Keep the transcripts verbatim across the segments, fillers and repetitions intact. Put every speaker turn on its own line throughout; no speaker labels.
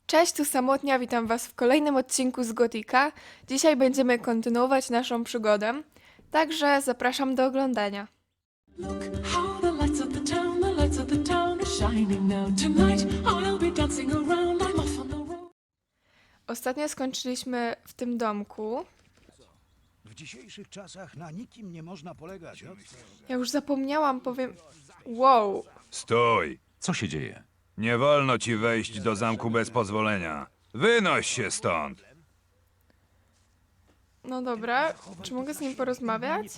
Cześć, tu Samotnia, witam Was w kolejnym odcinku z Gotika. Dzisiaj będziemy kontynuować naszą przygodę, także zapraszam do oglądania.
Look how the lights of the town, the lights of the town are shining now. Tonight I'll be dancing around. I'm off on the road.
Ostatnio skończyliśmy w tym domku.
W dzisiejszych czasach na nikim nie można polegać. O?
Ja już zapomniałam, powiem... Wow,
Stój!
Co się dzieje?
Nie wolno ci wejść do zamku bez pozwolenia. Wynoś się stąd!
no dobra, czy mogę z nim porozmawiać?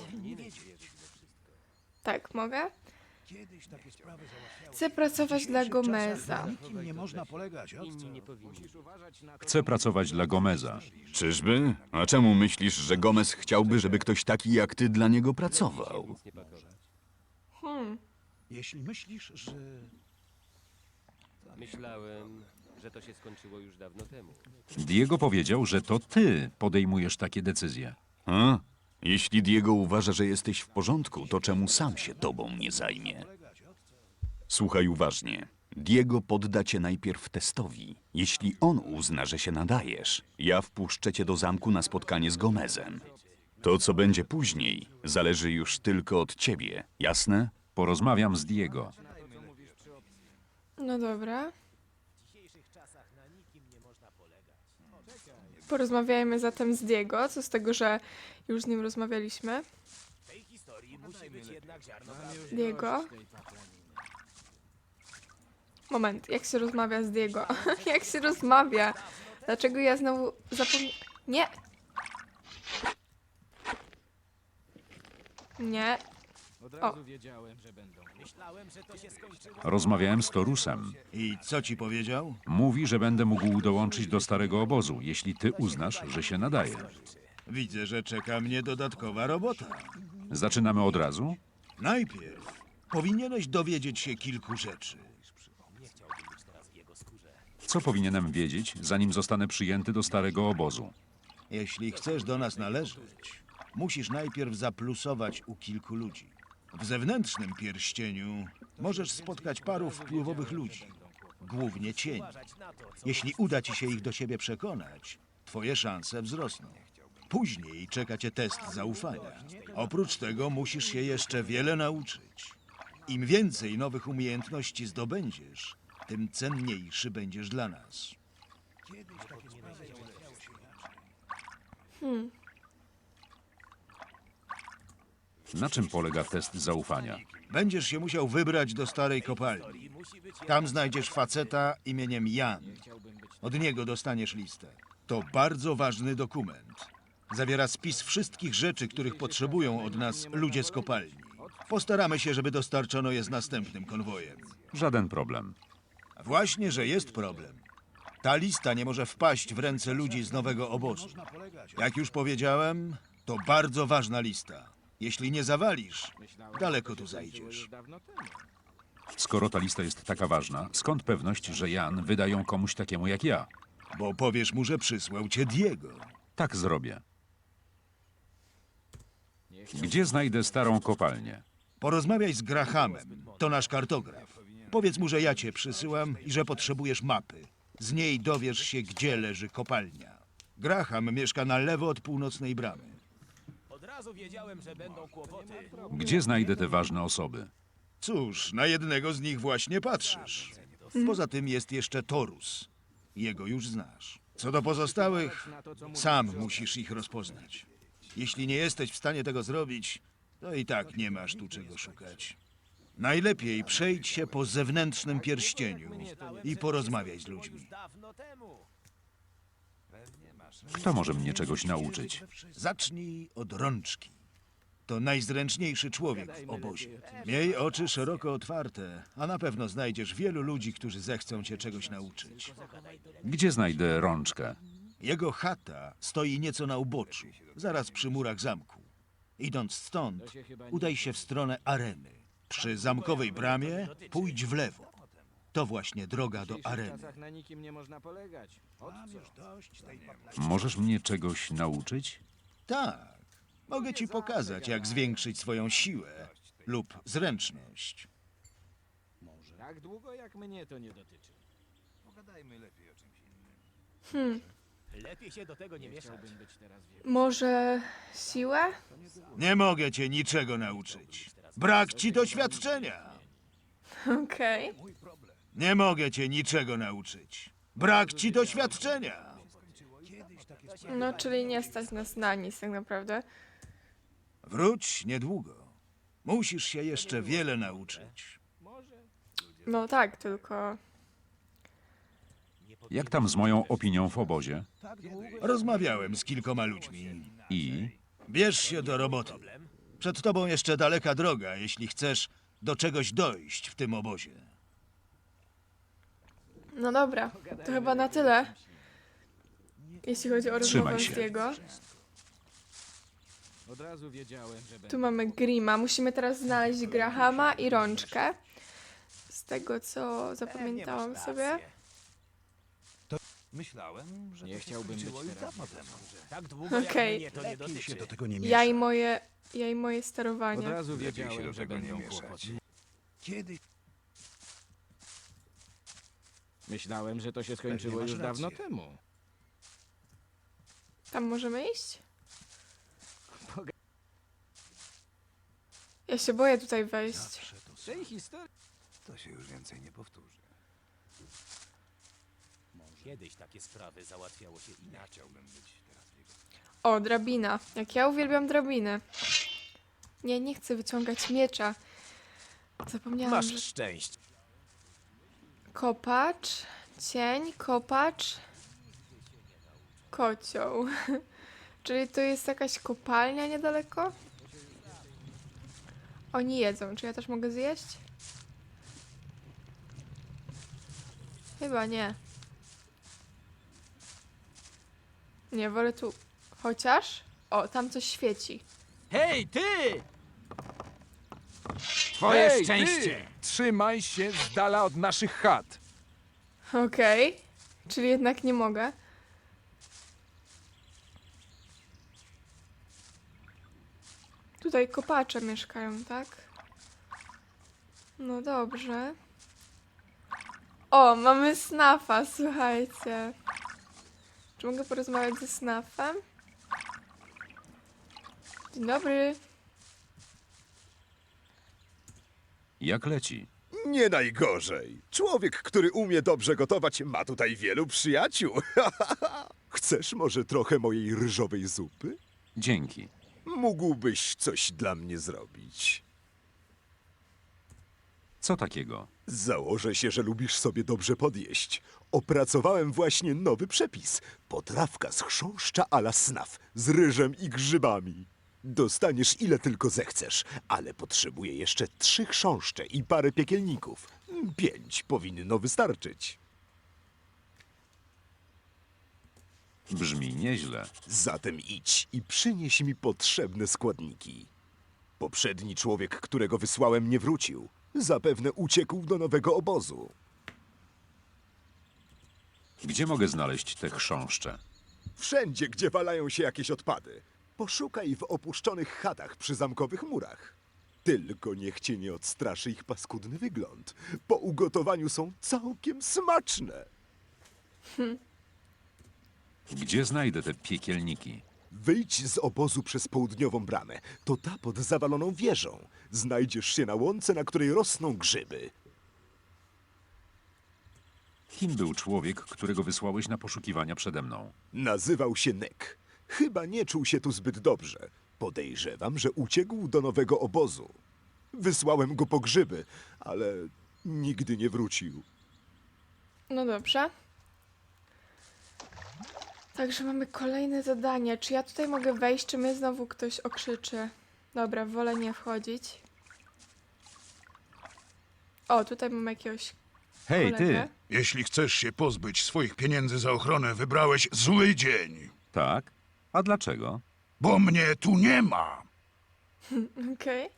Tak, mogę?
Kiedyś takie sprawy załatwiały.
Chcę pracować dla Gomeza.
Na nikim nie można polegać. O?
Chcę pracować dla Gomeza.
Czyżby? A czemu myślisz, że Gomez chciałby, żeby ktoś taki jak ty dla niego pracował?
Jeśli myślisz, że
Myślałem, że to się skończyło już dawno temu.
Diego powiedział, że to ty podejmujesz takie decyzje.
A? Jeśli Diego uważa, że jesteś w porządku, to czemu sam się tobą nie zajmie? Słuchaj uważnie. Diego podda cię najpierw testowi. Jeśli on uzna, że się nadajesz, ja wpuszczę cię do zamku na spotkanie z Gomezem. To, co będzie później, zależy już tylko od ciebie, jasne?
Porozmawiam z Diego.
No dobra. Porozmawiajmy zatem z Diego, co z tego, że już z nim rozmawialiśmy. Diego? Moment, jak się rozmawia z Diego? Jak się rozmawia? Dlaczego ja znowu zapomniałam? Nie! Nie. O,
Rozmawiałem z Torusem.
i co ci powiedział?
Mówi, że będę mógł dołączyć do starego obozu, jeśli ty uznasz, że się nadaje.
Widzę, że czeka mnie dodatkowa robota.
Zaczynamy od razu?
Najpierw powinieneś dowiedzieć się kilku rzeczy.
Co powinienem wiedzieć, zanim zostanę przyjęty do starego obozu?
Jeśli chcesz do nas należeć, musisz najpierw zaplusować u kilku ludzi. W zewnętrznym pierścieniu możesz spotkać paru wpływowych ludzi, głównie cieni. Jeśli uda ci się ich do siebie przekonać, twoje szanse wzrosną. Później czeka cię test zaufania. Oprócz tego musisz się jeszcze wiele nauczyć. Im więcej nowych umiejętności zdobędziesz, tym cenniejszy będziesz dla nas.
Na czym polega test zaufania?
Będziesz się musiał wybrać do starej kopalni. Tam znajdziesz faceta imieniem Jan. Od niego dostaniesz listę. To bardzo ważny dokument. Zawiera spis wszystkich rzeczy, których potrzebują od nas ludzie z kopalni. Postaramy się, żeby dostarczono je z następnym konwojem.
Żaden problem.
Właśnie, że jest problem. Ta lista nie może wpaść w ręce ludzi z nowego obozu. Jak już powiedziałem, to bardzo ważna lista. Jeśli nie zawalisz, daleko tu zajdziesz.
Skoro ta lista jest taka ważna, skąd pewność, że Jan wyda ją komuś takiemu jak ja?
Bo powiesz mu, że przysłał cię Diego.
Tak zrobię. Gdzie znajdę starą kopalnię?
Porozmawiaj z Grahamem, to nasz kartograf. Powiedz mu, że ja cię przysyłam i że potrzebujesz mapy. Z niej dowiesz się, gdzie leży kopalnia. Graham mieszka na lewo od północnej bramy.
Gdzie znajdę te ważne osoby?
Cóż, na jednego z nich właśnie patrzysz. Poza tym jest jeszcze Torus. Jego już znasz. Co do pozostałych, sam musisz ich rozpoznać. Jeśli nie jesteś w stanie tego zrobić, to i tak nie masz tu czego szukać. Najlepiej przejdź się po zewnętrznym pierścieniu i porozmawiaj z ludźmi.
Kto może mnie czegoś nauczyć?
Zacznij od rączki. To najzręczniejszy człowiek w obozie. Miej oczy szeroko otwarte, a na pewno znajdziesz wielu ludzi, którzy zechcą cię czegoś nauczyć.
Gdzie znajdę rączkę?
Jego chata stoi nieco na uboczu, zaraz przy murach zamku. Idąc stąd, udaj się w stronę areny. Przy zamkowej bramie pójdź w lewo. To właśnie droga do areny.
Na nikim nie można polegać. Od
Możesz mnie czegoś nauczyć?
Tak, mogę ci pokazać, jak zwiększyć swoją siłę lub zręczność.
tak długo jak mnie to nie dotyczy.
Może siłę?
Nie mogę cię niczego nauczyć. Brak ci doświadczenia.
Okej.
Nie mogę cię niczego nauczyć. Brak ci doświadczenia.
No, czyli nie stać nas na nic tak naprawdę.
Wróć niedługo. Musisz się jeszcze wiele nauczyć.
No tak, tylko...
Jak tam z moją opinią w obozie?
Rozmawiałem z kilkoma ludźmi.
I
Bierz się do roboty. Przed tobą jeszcze daleka droga, jeśli chcesz do czegoś dojść w tym obozie.
No dobra, to chyba na tyle. Jeśli chodzi o
Trzymaj
rozmowę
się.
z jego.
Od razu wiedziałem, że będzie.
Tu mamy Grima. Musimy teraz znaleźć Grahama i rączkę. Z tego, co zapamiętałam sobie.
Myślałem, że
Nie chciałbym być teraz.
Okej.
się do tego nie
Ja i moje, ja i moje
Od
sterowanie.
razu
lepiej się
wiedziałem,
do
że
tego nie
będą
mieszać.
kłopoty.
Kiedy?
Myślałem, że to się skończyło
masz
już dawno
rację.
temu.
Tam możemy iść? Ja się boję tutaj wejść.
W tej historii.
to się już więcej nie powtórzy.
Kiedyś takie sprawy załatwiało się inaczej.
O, drabina. Jak ja uwielbiam drabiny. Nie, nie chcę wyciągać miecza. Zapomniałam, że...
szczęście.
Kopacz, cień, kopacz, kocioł. Czyli to jest jakaś kopalnia niedaleko? Oni jedzą. Czy ja też mogę zjeść? Chyba nie. Nie, wolę tu. Chociaż? O, tam coś świeci.
Hej, ty!
Twoje
Hej,
szczęście! Trzymaj się z dala od naszych chat.
Okej. Czyli jednak nie mogę. Tutaj kopacze mieszkają, tak? No dobrze. O, mamy snafa, słuchajcie. Czy mogę porozmawiać ze snafem? Dzień dobry.
jak leci?
Nie najgorzej. Człowiek, który umie dobrze gotować, ma tutaj wielu przyjaciół. Chcesz może trochę mojej ryżowej zupy?
Dzięki.
Mógłbyś coś dla mnie zrobić.
Co takiego?
Założę się, że lubisz sobie dobrze podjeść. Opracowałem właśnie nowy przepis. Potrawka z chrząszcza a la snaf, z ryżem i grzybami. Dostaniesz ile tylko zechcesz, ale potrzebuję jeszcze trzy chrząszcze i parę piekielników. Pięć powinno wystarczyć.
Brzmi nieźle.
Zatem idź i przynieś mi potrzebne składniki. Poprzedni człowiek, którego wysłałem, nie wrócił. Zapewne uciekł do nowego obozu.
Gdzie mogę znaleźć te chrząszcze?
Wszędzie, gdzie walają się jakieś odpady. Poszukaj w opuszczonych chatach przy zamkowych murach. Tylko niech cię nie odstraszy ich paskudny wygląd. Po ugotowaniu są całkiem smaczne.
Gdzie znajdę te piekielniki?
Wyjdź z obozu przez południową bramę. To ta pod zawaloną wieżą. Znajdziesz się na łące, na której rosną grzyby.
Kim był człowiek, którego wysłałeś na poszukiwania przede mną?
Nazywał się Nek. Chyba nie czuł się tu zbyt dobrze. Podejrzewam, że uciekł do nowego obozu. Wysłałem go po grzyby, ale nigdy nie wrócił.
No dobrze. Także mamy kolejne zadanie. Czy ja tutaj mogę wejść, czy mnie znowu ktoś okrzyczy? Dobra, wolę nie wchodzić. O, tutaj mamy jakiegoś
Hej,
kolegę.
ty!
Jeśli chcesz się pozbyć swoich pieniędzy za ochronę, wybrałeś zły dzień.
Tak? A dlaczego?
Bo mnie tu nie ma.
Okej.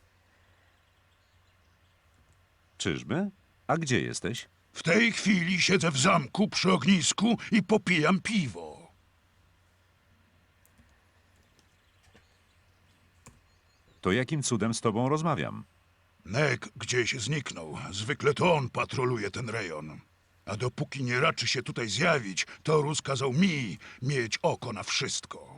Czyżby? A gdzie jesteś?
W tej chwili siedzę w zamku przy ognisku i popijam piwo.
To jakim cudem z tobą rozmawiam?
Nek gdzieś zniknął. Zwykle to on patroluje ten rejon.
A dopóki nie raczy się tutaj zjawić, Torus kazał mi mieć oko na wszystko.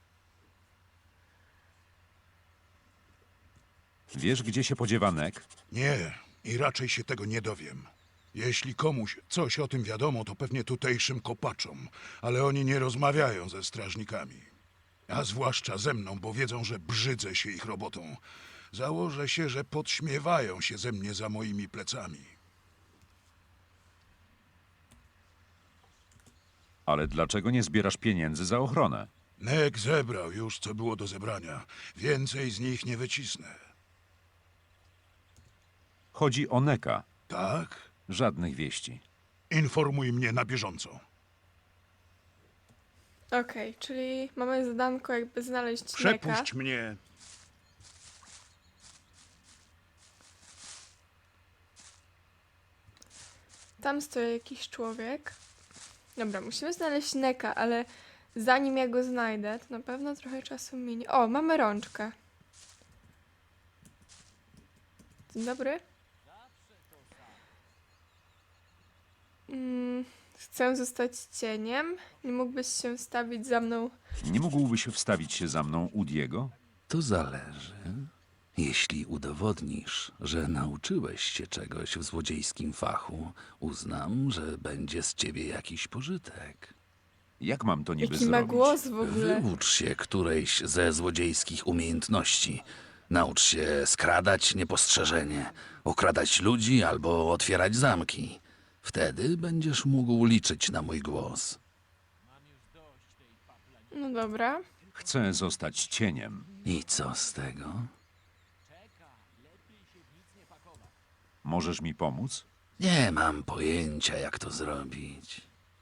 Wiesz, gdzie się podziewa Nek?
Nie, i raczej się tego nie dowiem. Jeśli komuś coś o tym wiadomo, to pewnie tutejszym kopaczom, ale oni nie rozmawiają ze strażnikami. A zwłaszcza ze mną, bo wiedzą, że brzydzę się ich robotą. Założę się, że podśmiewają się ze mnie za moimi plecami.
Ale dlaczego nie zbierasz pieniędzy za ochronę?
Nek zebrał już, co było do zebrania. Więcej z nich nie wycisnę.
Chodzi o Neka.
Tak?
Żadnych wieści.
Informuj mnie na bieżąco.
Okej, czyli mamy zadanko jakby znaleźć Neka.
Przepuść mnie.
Tam stoi jakiś człowiek. Dobra, musimy znaleźć Neka, ale zanim ja go znajdę, to na pewno trochę czasu minie. O, mamy rączkę. Dzień dobry. Mm, chcę zostać cieniem. Nie mógłbyś się stawić za mną.
Nie mógłbyś wstawić się za mną u Diego?
To zależy. Jeśli udowodnisz, że nauczyłeś się czegoś w złodziejskim fachu, uznam, że będzie z ciebie jakiś pożytek.
Jak mam to niby
Jaki ma
zrobić?
głos w ogóle.
Wyucz się którejś ze złodziejskich umiejętności. Naucz się skradać niepostrzeżenie, okradać ludzi albo otwierać zamki. Wtedy będziesz mógł liczyć na mój głos.
No dobra.
Chcę zostać cieniem.
I co z tego?
Możesz mi pomóc?
Nie mam pojęcia, jak to zrobić.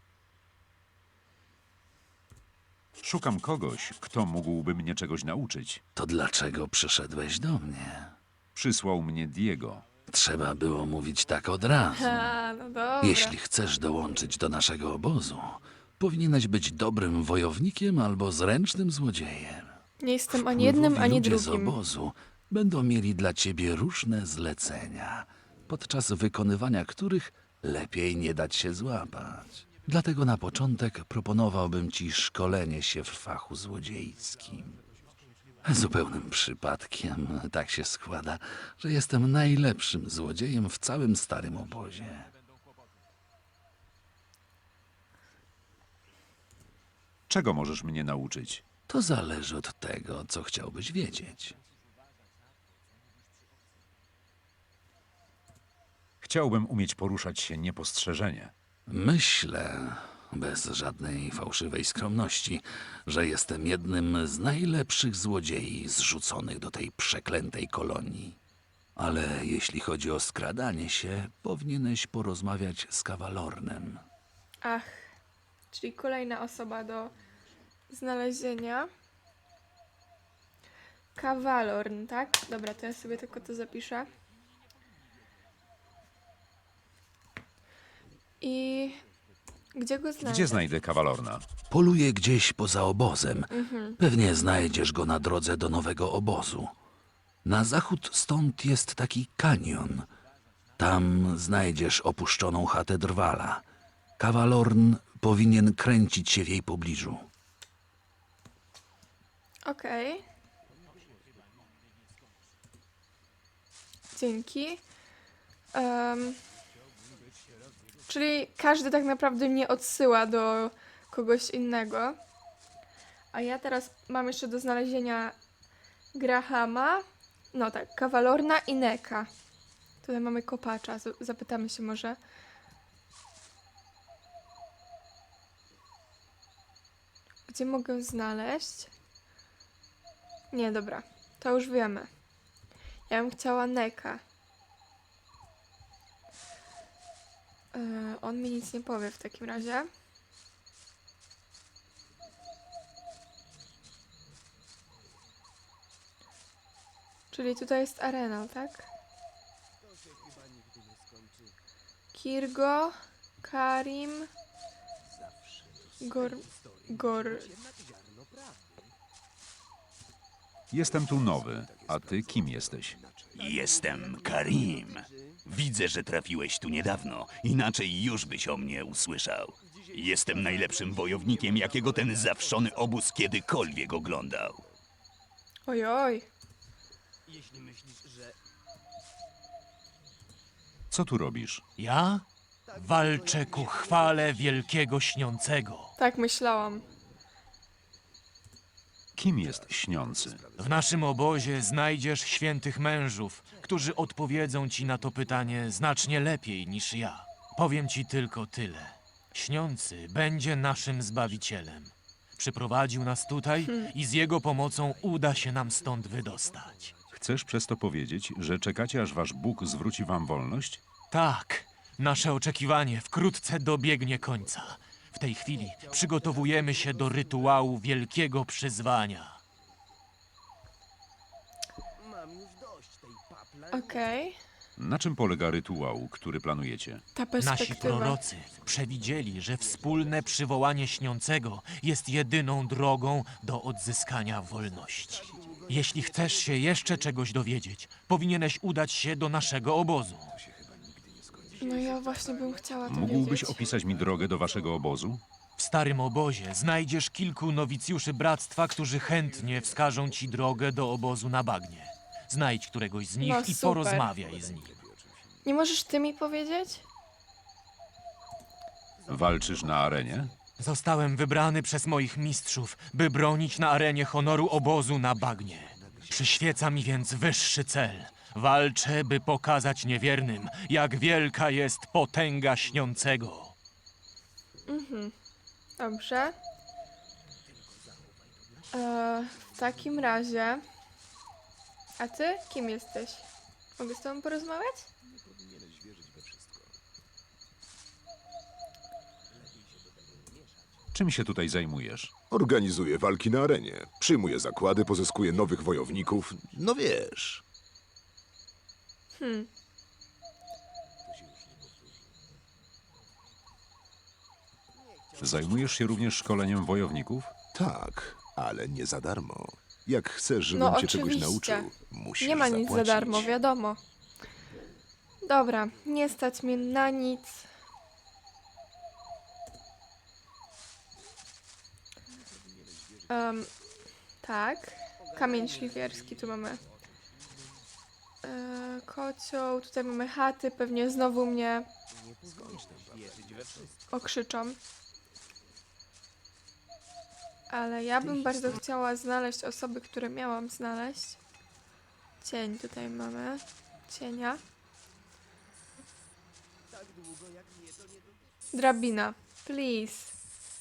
Szukam kogoś, kto mógłby mnie czegoś nauczyć.
To dlaczego przyszedłeś do mnie?
Przysłał mnie Diego.
Trzeba było mówić tak od razu.
A, no dobra.
Jeśli chcesz dołączyć do naszego obozu, powinieneś być dobrym wojownikiem albo zręcznym złodziejem.
Nie jestem ani jednym,
Wpływowi
ani
ludzie z
drugim.
obozu będą mieli dla ciebie różne zlecenia, podczas wykonywania których lepiej nie dać się złapać. Dlatego na początek proponowałbym ci szkolenie się w fachu złodziejskim. Zupełnym przypadkiem tak się składa, że jestem najlepszym złodziejem w całym starym obozie.
Czego możesz mnie nauczyć?
To zależy od tego, co chciałbyś wiedzieć.
Chciałbym umieć poruszać się niepostrzeżenie.
Myślę, bez żadnej fałszywej skromności, że jestem jednym z najlepszych złodziei zrzuconych do tej przeklętej kolonii. Ale jeśli chodzi o skradanie się, powinieneś porozmawiać z Kawalornem.
Ach, czyli kolejna osoba do znalezienia. Kawalorn, tak? Dobra, to ja sobie tylko to zapiszę. I gdzie go znajdę?
Gdzie znajdę Kawalorna?
Poluje gdzieś poza obozem. Pewnie znajdziesz go na drodze do nowego obozu. Na zachód stąd jest taki kanion. Tam znajdziesz opuszczoną chatę Drwala. Kawalorn powinien kręcić się w jej pobliżu.
Okej. Dzięki. Em, czyli każdy tak naprawdę mnie odsyła do kogoś innego. A ja teraz mam jeszcze do znalezienia Grahama. No tak, Kawalorna i Neka. Tutaj mamy kopacza. Z- Zapytamy się może. Gdzie mogę znaleźć? Nie, dobra. To już wiemy. Ja bym chciała Neka. Yy, on mi nic nie powie w takim razie. Czyli tutaj jest arena, tak? Kirgo, Karim, Gor... Gor...
Jestem tu nowy, a ty kim jesteś?
Jestem Karim. Widzę, że trafiłeś tu niedawno, inaczej już byś o mnie usłyszał. Jestem najlepszym wojownikiem, jakiego ten zawszony obóz kiedykolwiek oglądał.
Ojoj.
Co tu robisz?
Ja walczę ku chwale wielkiego śniącego.
Tak myślałam.
Kim jest śniący?
W naszym obozie znajdziesz świętych mężów, którzy odpowiedzą ci na to pytanie znacznie lepiej niż ja. Powiem ci tylko tyle. Śniący będzie naszym Zbawicielem. Przyprowadził nas tutaj i z jego pomocą uda się nam stąd wydostać.
Chcesz przez to powiedzieć, że czekacie, aż wasz Bóg zwróci wam wolność?
Tak, nasze oczekiwanie wkrótce dobiegnie końca. W tej chwili przygotowujemy się do rytuału wielkiego przyzwania.
Okej.
Na czym polega rytuał, który planujecie?
Ta
Nasi
perspektywa.
prorocy przewidzieli, że wspólne przywołanie śniącego jest jedyną drogą do odzyskania wolności. Jeśli chcesz się jeszcze czegoś dowiedzieć, powinieneś udać się do naszego obozu.
No ja właśnie bym chciała to
Mógłbyś
wiedzieć.
opisać mi drogę do waszego obozu?
W starym obozie znajdziesz kilku nowicjuszy bractwa, którzy chętnie wskażą ci drogę do obozu na bagnie. Znajdź któregoś z nich
No,
i
super.
porozmawiaj z nim.
Nie możesz ty mi powiedzieć?
Walczysz na arenie?
Zostałem wybrany przez moich mistrzów, by bronić na arenie honoru obozu na bagnie. Przyświeca mi więc wyższy cel. Walczę, by pokazać niewiernym, jak wielka jest potęga śniącego.
Dobrze. E, w takim razie... A ty? Kim jesteś? Mogę z tobą porozmawiać?
Czym się tutaj zajmujesz?
Organizuję walki na arenie, przyjmuję zakłady, pozyskuję nowych wojowników. No wiesz.
Hmm.
Zajmujesz się również szkoleniem wojowników?
Tak, ale nie za darmo. Jak chcesz, żebym
No
cię czegoś
oczywiście.
nauczył, musisz
Nie ma nic za
zapłacić.
darmo, wiadomo. Dobra, nie stać mnie na nic. Em, tak. Kamień szlifierski tu mamy. E, kocioł, tutaj mamy chaty, pewnie znowu mnie okrzyczą. Ale ja bym bardzo chciała znaleźć osoby, które miałam znaleźć. Cień tutaj mamy. Cienia. Drabina. Please.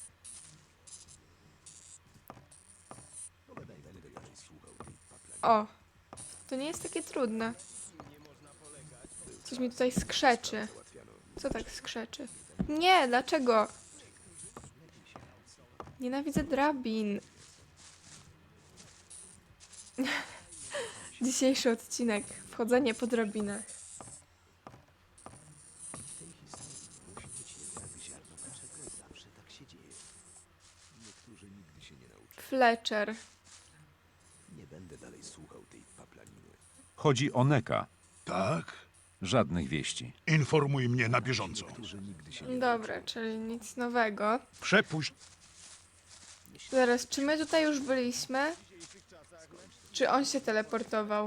O. To nie jest takie trudne. Coś mi tutaj skrzeczy. Co tak skrzeczy? Nie, dlaczego? Nienawidzę drabin. Dzisiejszy odcinek. Wchodzenie po drabinach. Fletcher.
Chodzi o Neka.
Tak?
Żadnych wieści.
Informuj mnie na bieżąco.
Dobra, czyli nic nowego.
Przepuść.
Zaraz, czy my tutaj już byliśmy? Czy on się teleportował?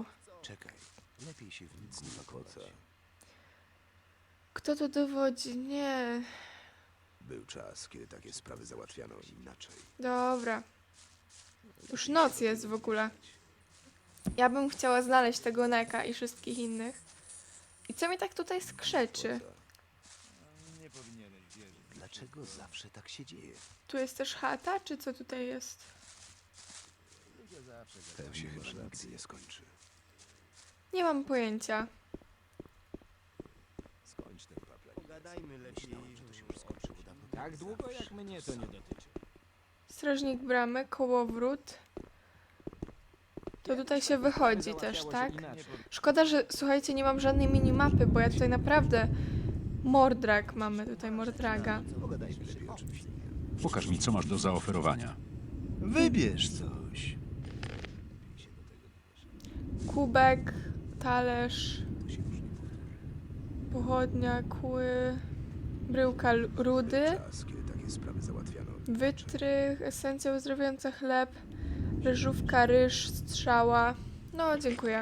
Kto to dowodzi? Nie.
Był czas, kiedy takie sprawy załatwiano inaczej.
Dobra. Już noc jest w ogóle. Ja bym chciała znaleźć tego Neka i wszystkich innych. I co mi tak tutaj skrzeczy?
Dlaczego zawsze tak się dzieje?
Tu jest też chata, czy co tutaj jest?
To się chyba nigdy nie skończy.
Nie mam pojęcia.
Tak długo jak mnie to nie dotyczy.
Strażnik bramy, kołowrót. To tutaj się wychodzi też, tak? Szkoda, że słuchajcie, nie mam żadnej minimapy, bo ja tutaj naprawdę... Mordrak mamy tutaj, Mordraga.
Pokaż mi, co masz do zaoferowania.
Wybierz coś.
Kubek, talerz. pochodnia, kły, bryłka l- rudy,
Czas, kiedy takie sprawy załatwiano.
wytrych, esencja uzdrawiająca chleb, ryżówka, ryż, strzała. No, dziękuję.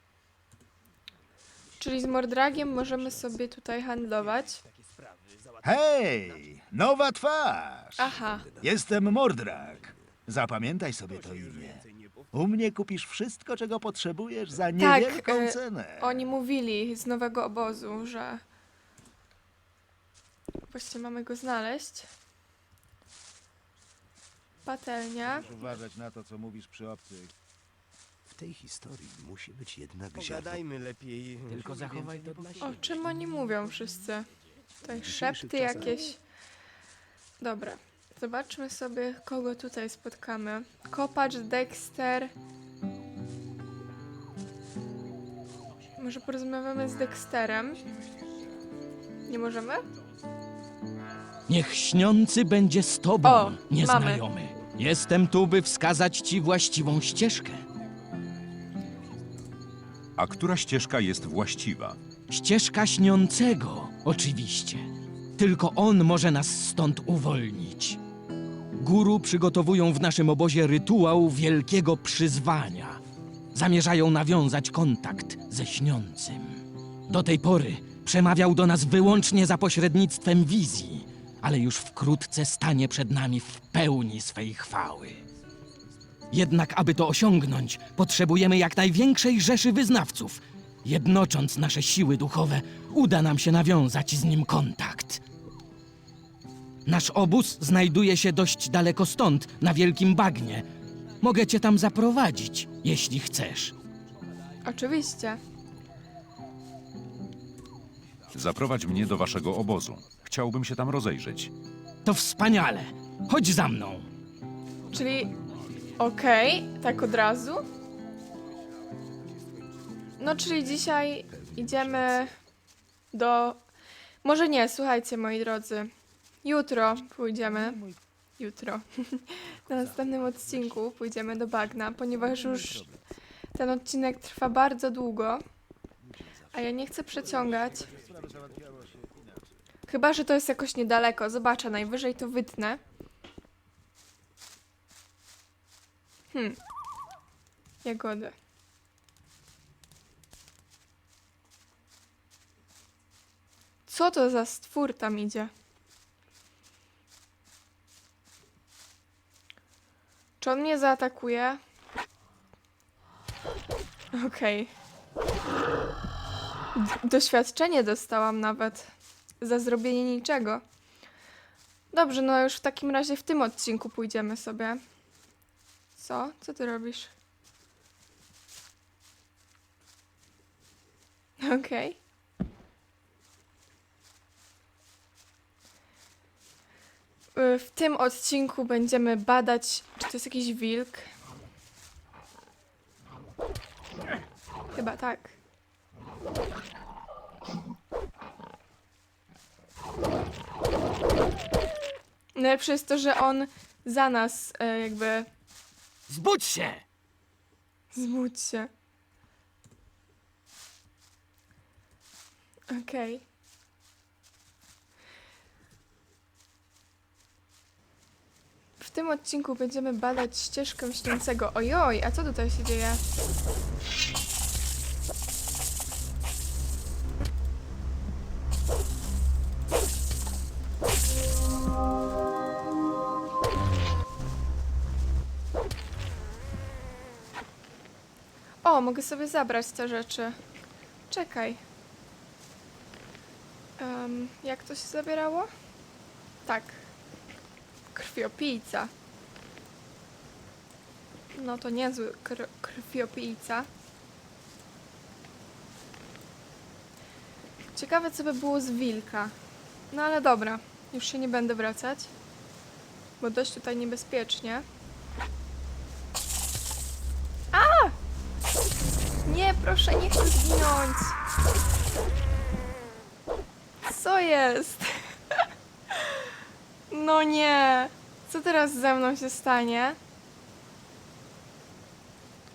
Czyli z Mordragiem możemy sobie tutaj handlować.
Hej, nowa twarz!
Aha,
Jestem Mordrak. Zapamiętaj sobie to imię. U mnie kupisz wszystko, czego potrzebujesz za niewielką
e,
cenę.
oni mówili z nowego obozu, że właśnie mamy go znaleźć. Patelnia.
Musisz uważać na to, co mówisz przy obcych.
W tej historii musi być jednak ziarno.
Pogadajmy lepiej. Tylko zachowaj to dla siebie.
O czym oni mówią wszyscy? Tutaj szepty jakieś. Dobra, zobaczmy sobie, kogo tutaj spotkamy. Kopacz, Dexter. Może porozmawiamy z Dexterem? Nie możemy?
Niech śniący będzie z tobą,
O,
nieznajomy. Jestem tu, by wskazać ci właściwą ścieżkę.
A która ścieżka jest właściwa?
Ścieżka śniącego, oczywiście. Tylko on może nas stąd uwolnić. Guru przygotowują w naszym obozie rytuał wielkiego przyzwania. Zamierzają nawiązać kontakt ze śniącym. Do tej pory przemawiał do nas wyłącznie za pośrednictwem wizji, ale już wkrótce stanie przed nami w pełni swej chwały. Jednak aby to osiągnąć, potrzebujemy jak największej rzeszy wyznawców. Jednocząc nasze siły duchowe, uda nam się nawiązać z nim kontakt. Nasz obóz znajduje się dość daleko stąd, na Wielkim Bagnie. Mogę cię tam zaprowadzić, jeśli chcesz.
Oczywiście.
Zaprowadź mnie do waszego obozu. Chciałbym się tam rozejrzeć.
To wspaniale. Chodź za mną.
Czyli okej, tak od razu. No, czyli dzisiaj idziemy do... Może nie, słuchajcie, moi drodzy. Jutro pójdziemy. Jutro. Na następnym odcinku pójdziemy do bagna, ponieważ już ten odcinek trwa bardzo długo. A ja nie chcę przeciągać. Chyba że to jest jakoś niedaleko. Zobaczę, najwyżej to wytnę. Hmm. Jagody. Co to za stwór tam idzie? Czy on mnie zaatakuje? Okej. D- Doświadczenie dostałam nawet. Za zrobienie niczego. Dobrze, no już w takim razie w tym odcinku pójdziemy sobie. Co? Co ty robisz? Okej. Y, W tym odcinku będziemy badać, czy to jest jakiś wilk. Chyba tak. Najlepsze jest to, że on za nas e, jakby...
Zbudź się!
Zbudź się. Okej. W tym odcinku będziemy badać ścieżkę śniącego. Ojoj, a co tutaj się dzieje? O, mogę sobie zabrać te rzeczy. Czekaj. Em, jak to się zabierało? Tak. Krwiopijca. No to niezły kr krwiopijca. Ciekawe, co by było z wilka. No ale dobra, już się nie będę wracać. Bo dość tutaj niebezpiecznie. A! Nie, proszę, nie chcę zginąć. Co jest? No nie. Co teraz ze mną się stanie?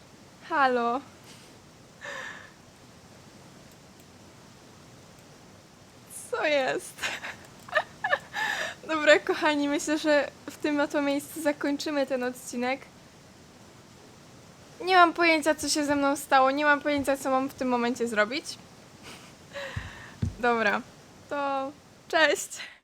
Halo. Co jest? Dobra, kochani, myślę, że w tym oto miejscu zakończymy ten odcinek. Nie mam pojęcia, co się ze mną stało. Nie mam pojęcia, co mam w tym momencie zrobić. Dobra, to cześć!